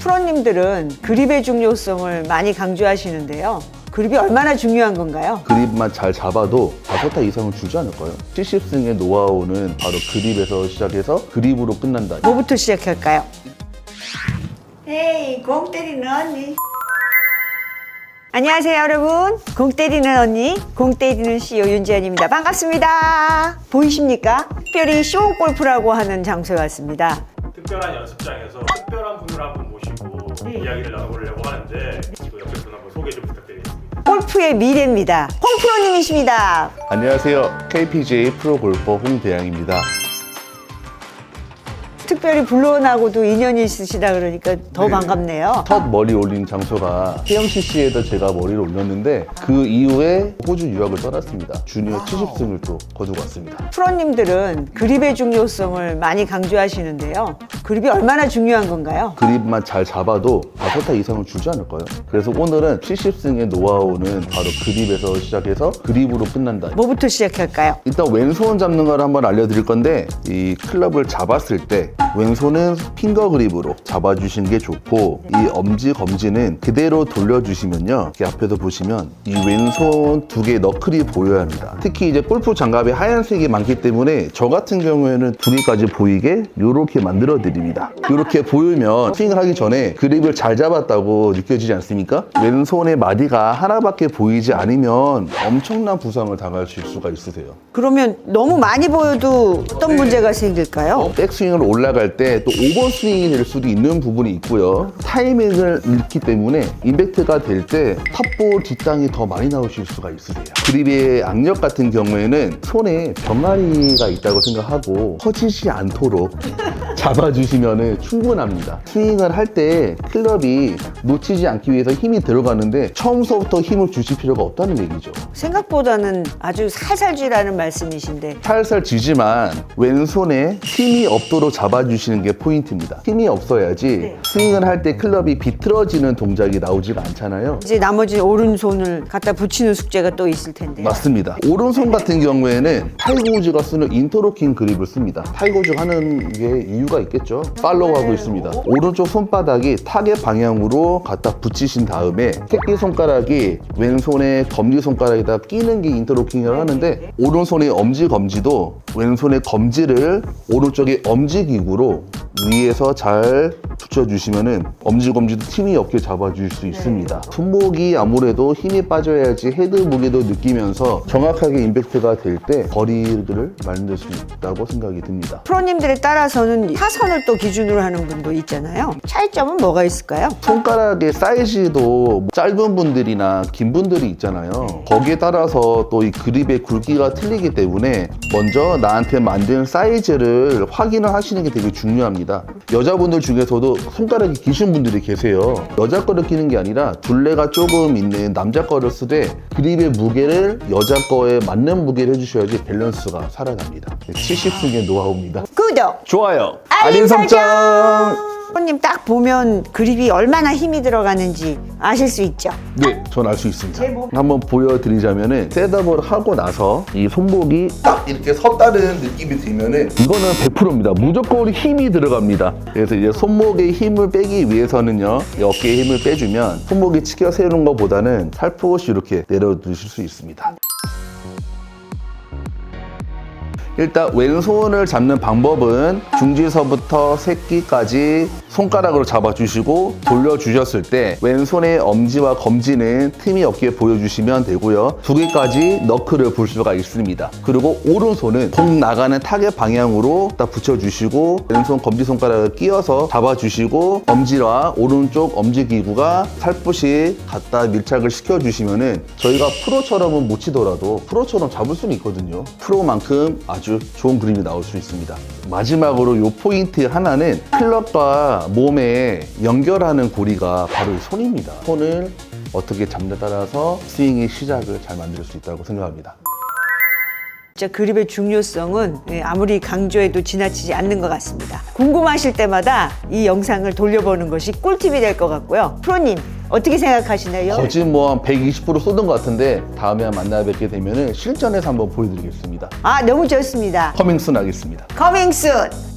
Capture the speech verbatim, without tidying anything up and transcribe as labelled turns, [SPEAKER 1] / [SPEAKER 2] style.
[SPEAKER 1] 프로님들은 그립의 중요성을 많이 강조하시는데요. 그립이 얼마나 중요한 건가요?
[SPEAKER 2] 그립만 잘 잡아도 다섯 타 이상은 주지 않을까요? 칠십 승의 노하우는 바로 그립에서 시작해서 그립으로 끝난다.
[SPEAKER 1] 뭐부터 시작할까요? 헤이, 공 때리는 언니. 안녕하세요, 여러분. 공 때리는 언니, 공 때리는 씨이오 윤지연입니다. 반갑습니다. 보이십니까? 특별히 쇼골프라고 하는 장소에 왔습니다.
[SPEAKER 3] 특별한 연습장에서 특별한 분을 한 분 모시고
[SPEAKER 1] 네.
[SPEAKER 3] 이야기를 나눠보려고 하는데 그 옆에 분 한번 소개 좀 부탁드리겠습니다.
[SPEAKER 1] 골프의 미래입니다. 홍 프로님이십니다.
[SPEAKER 2] 안녕하세요. 케이피지에이 프로골퍼 홍대양입니다.
[SPEAKER 1] 특별히 불러나고도 인연이 있으시다 그러니까 더
[SPEAKER 2] 네.
[SPEAKER 1] 반갑네요.
[SPEAKER 2] 첫 머리 올린 장소가 태영씨씨에다 제가 머리를 올렸는데 그 이후에 호주 유학을 떠났습니다. 주니어 칠십 승을 또 거두고 왔습니다.
[SPEAKER 1] 프로님들은 그립의 중요성을 많이 강조하시는데요. 그립이 얼마나 중요한 건가요?
[SPEAKER 2] 그립만 잘 잡아도 다섯 타 이상은 주지 않을까요? 그래서 오늘은 칠십 승의 노하우는 바로 그립에서 시작해서 그립으로 끝난다.
[SPEAKER 1] 뭐부터 시작할까요?
[SPEAKER 2] 일단 왼손 잡는 걸 한번 알려드릴 건데 이 클럽을 잡았을 때 왼손은 핑거 그립으로 잡아주시는 게 좋고 이 엄지 검지는 그대로 돌려주시면요, 이렇게 앞에서 보시면 이 왼손 두 개의 너클이 보여야 합니다. 특히 이제 골프 장갑에 하얀색이 많기 때문에 저 같은 경우에는 두 개까지 보이게 이렇게 만들어 드립니다. 이렇게 보이면 스윙을 하기 전에 그립을 잘 잡았다고 느껴지지 않습니까? 왼손의 마디가 하나밖에 보이지 않으면 엄청난 부상을 당하실 수가 있으세요.
[SPEAKER 1] 그러면 너무 많이 보여도 어떤 문제가 생길까요?
[SPEAKER 2] 백스윙을 올라갈 때 또 오버스윙이 될 수도 있는 부분이 있고요. 타이밍을 잃기 때문에 임팩트가 될 때 탑볼 뒷땅이 더 많이 나오실 수가 있으세요. 그립의 악력 같은 경우에는 손에 병아리가 있다고 생각하고 커지지 않도록 잡아주시면 충분합니다. 스윙을 할 때 클럽이 놓치지 않기 위해서 힘이 들어가는데 처음서부터 힘을 주실 필요가 없다는 얘기죠.
[SPEAKER 1] 생각보다는 아주 살살 쥐라는 말씀이신데
[SPEAKER 2] 살살 쥐지만 왼손에 힘이 없도록 잡아주시는 게 포인트입니다. 힘이 없어야지
[SPEAKER 1] 네.
[SPEAKER 2] 스윙을 할 때 클럽이 비틀어지는 동작이 나오지가 않잖아요.
[SPEAKER 1] 이제 나머지 오른손을 갖다 붙이는 숙제가 또 있을 텐데요.
[SPEAKER 2] 맞습니다. 오른손 같은 경우에는 타이거우즈가 쓰는 인터로킹 그립을 씁니다. 타이거우즈 하는 게 이유가 있겠죠. 팔로우하고 있습니다. 오른쪽 손바닥이 타겟 방향으로 갖다 붙이신 다음에 새끼 손가락이 왼손의 검지 손가락에다 끼는 게 인터로킹을 하는데 오른손의 엄지 검지도 왼손의 검지를 오른쪽의 엄지 기구로 위에서 잘 붙여주시면은 엄지 검지도 틈이 없게 잡아줄 수 있습니다. 손목이 아무래도 힘이 빠져야지 헤드 무게도 느끼면서 정확하게 임팩트가 될 때 거리를 만들 수 있다고 생각이 듭니다.
[SPEAKER 1] 프로님들에 따라서는 타선을 또 기준으로 하는 분도 있잖아요. 차이점은 뭐가 있을까요?
[SPEAKER 2] 손가락의 사이즈도 짧은 분들이나 긴 분들이 있잖아요. 거기에 따라서 또 이 그립의 굵기가 틀리기 때문에 먼저 나한테 만든 사이즈를 확인을 하시는 게 되게 중요합니다. 여자분들 중에서도 손가락이 기신 분들이 계세요. 여자 거를 끼는 게 아니라 둘레가 조금 있는 남자 거를 쓰되 그립의 무게를 여자 거에 맞는 무게를 해주셔야지 밸런스가 살아납니다. 칠십 승의 노하우입니다.
[SPEAKER 1] 구독!
[SPEAKER 2] 좋아요!
[SPEAKER 1] 알림 설정! 프로님 딱 보면 그립이 얼마나 힘이 들어가는지 아실 수 있죠?
[SPEAKER 2] 네, 전 알 수 있습니다. 한번 보여드리자면은 셋업을 하고 나서 이 손목이 딱 이렇게 섰다는 느낌이 들면은 이거는 백 퍼센트입니다. 무조건 힘이 들어갑니다. 그래서 이제 손목에 힘을 빼기 위해서는요, 이 어깨에 힘을 빼주면 손목이 치켜 세우는 것보다는 살포시 이렇게 내려두실 수 있습니다. 일단 왼손을 잡는 방법은 중지서부터 새끼까지 손가락으로 잡아주시고 돌려주셨을 때 왼손의 엄지와 검지는 틈이 없게 보여주시면 되고요. 두 개까지 너클을 볼 수가 있습니다. 그리고 오른손은 공 나가는 타겟 방향으로 딱 붙여주시고 왼손 검지 손가락을 끼워서 잡아주시고 엄지와 오른쪽 엄지 기구가 살포시 갖다 밀착을 시켜주시면은 저희가 프로처럼은 못 치더라도 프로처럼 잡을 수는 있거든요. 프로만큼 아주 좋은 그림이 나올 수 있습니다. 마지막으로 요 포인트 하나는 클럽과 몸에 연결하는 고리가 바로 이 손입니다. 손을 어떻게 잡느냐에 따라서 스윙의 시작을 잘 만들 수 있다고 생각합니다.
[SPEAKER 1] 진짜 그립의 중요성은 아무리 강조해도 지나치지 않는 것 같습니다. 궁금하실 때마다 이 영상을 돌려보는 것이 꿀팁이 될 것 같고요. 프로님 어떻게 생각하시나요?
[SPEAKER 2] 거진 뭐 한 백이십 퍼센트 쏟은 것 같은데 다음에 만나 뵙게 되면 실전에서 한번 보여드리겠습니다.
[SPEAKER 1] 아, 너무 좋습니다.
[SPEAKER 2] 커밍순 하겠습니다.
[SPEAKER 1] 커밍 순!